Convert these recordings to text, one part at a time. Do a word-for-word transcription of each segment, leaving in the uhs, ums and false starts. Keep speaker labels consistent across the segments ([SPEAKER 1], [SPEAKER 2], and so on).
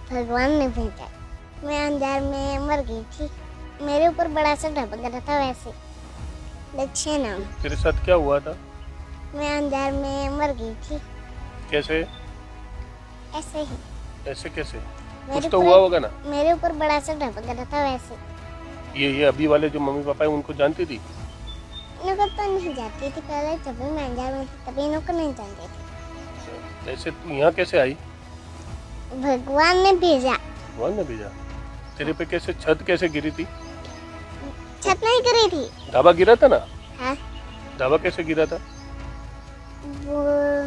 [SPEAKER 1] भगवान ने भेजा। मैं अंजार में मर गई थी, मेरे ऊपर बड़ा सा ढपक रहा था वैसे, लक्ष्य नाम।
[SPEAKER 2] तेरे साथ क्या हुआ था?
[SPEAKER 1] मैं अंजार में मर गई थी।
[SPEAKER 2] कैसे?
[SPEAKER 1] ऐसे ही।
[SPEAKER 2] ऐसे कैसे?
[SPEAKER 1] मेरे
[SPEAKER 2] कुछ तो
[SPEAKER 1] ऊपर-
[SPEAKER 2] हुआ होगा ना।
[SPEAKER 1] मेरे ऊपर बड़ा सा ढपक रहा था वैसे।
[SPEAKER 2] ये ये अभी वाले जो मम्मी पापा है उनको जानती थी?
[SPEAKER 1] इनको तो नहीं जाती थी पहले, जब भी मैं अंजार में थी तभी इनको नहीं जानती थी।
[SPEAKER 2] ऐसे तू यहाँ कैसे आई?
[SPEAKER 1] भगवान ने भेजा।
[SPEAKER 2] भगवान ने भेजा। तेरे पे कैसे छत कैसे गिरी थी?
[SPEAKER 1] छत नहीं गिरी थी।
[SPEAKER 2] ढाबा गिरा था ना?
[SPEAKER 1] हाँ,
[SPEAKER 2] ढाबा कैसे गिरा था?
[SPEAKER 1] वो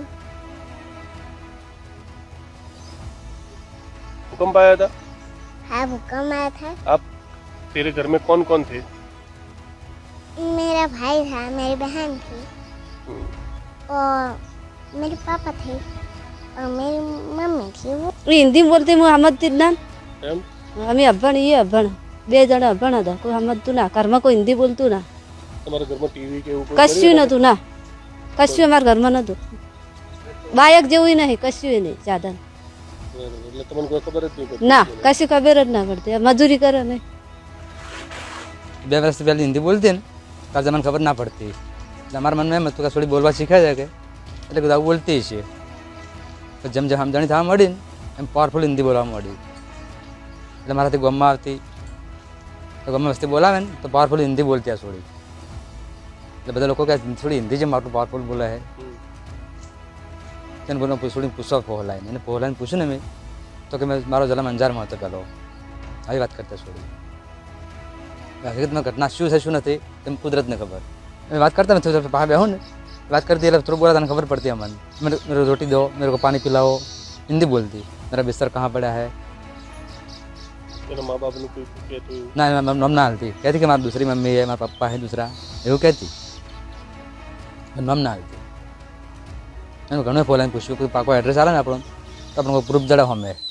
[SPEAKER 2] भूकंप आया था?
[SPEAKER 1] हाँ भूकंप आया था।
[SPEAKER 2] आप तेरे घर में कौन कौन थे?
[SPEAKER 1] मेरा भाई था, मेरी बहन थी
[SPEAKER 2] हम्म,
[SPEAKER 1] और मेरे पापा थे और मेरी मम्मी थी। वो
[SPEAKER 3] हिंदी बोलते मोहम्मद तिन्ना
[SPEAKER 2] એમ?
[SPEAKER 3] અમે અભણ એ અભણ બે જણા અભણ હતા કોઈ સમજતું ના ઘરમાં કોઈ હિન્દી બોલતું ના
[SPEAKER 2] તમારા ઘરમાં ટીવી કે એવું કોઈ
[SPEAKER 3] કશું
[SPEAKER 2] કર્યું
[SPEAKER 3] નહોતું ના કશું અમારા ઘરમાં નહોતું બાયક જેવું નહીં કશું નહીં સાધન
[SPEAKER 2] બરાબર. એટલે તમને કોઈ ખબર જ નહીં પડતી?
[SPEAKER 3] ના કશું ખબર જ ના પડતી આ મજૂરી કરે ને
[SPEAKER 4] બે વર્ષથી પહેલી હિન્દી બોલતી ને ત્યારે મને ખબર ના પડતી એટલે અમારા મનમાં એમ હતું કે થોડી બોલવા શીખાય છે કે એટલે બધા બોલતી છે તો જેમ જેમ સમજણી થવા મળી ને એમ પાવરફુલ હિન્દી બોલવા મળી એટલે મારાથી ગામમાં આવતી તો ગામમાં વસ્તી બોલાવે ને તો પાવરફુલ હિન્દી બોલતી આ થોડી એટલે બધા લોકો કહે થોડી હિન્દી જેમ આટલું પાવરફુલ બોલે છે
[SPEAKER 2] હમ.
[SPEAKER 4] તેને બોલો થોડી પૂછવા પહોલાઈને એને પહોલાઈને પૂછ્યું ને મેં તો કે મેં મારો જન્મ અંજારમાં હતો પહેલો આવી વાત કરતા છોડી હકીકતમાં ઘટના શું છે શું નથી તેમ કુદરતને ખબર मैं बात करता मैं थोड़ा बाहर बैठूँ ना बात करती है थोड़ा बोला था खबर पड़ती है मन मेरे मेरे रोटी दो मेरे को पानी पिलाओ हिंदी बोलती मेरा बिस्तर कहाँ पड़ा है
[SPEAKER 2] એના મા બાપનું કોઈ કહેતું એવું?
[SPEAKER 4] ना नम ना हालती कहती कि हमारी दूसरी मम्मी है हमारा पप्पा है दूसरा એવું कहती नम ना हालती मैंने घणो फोन पूछ्યું કોઈ પાકો એડ્રેસ આવે ને આપણો તો આપણને પ્રૂફ જણાવો અમે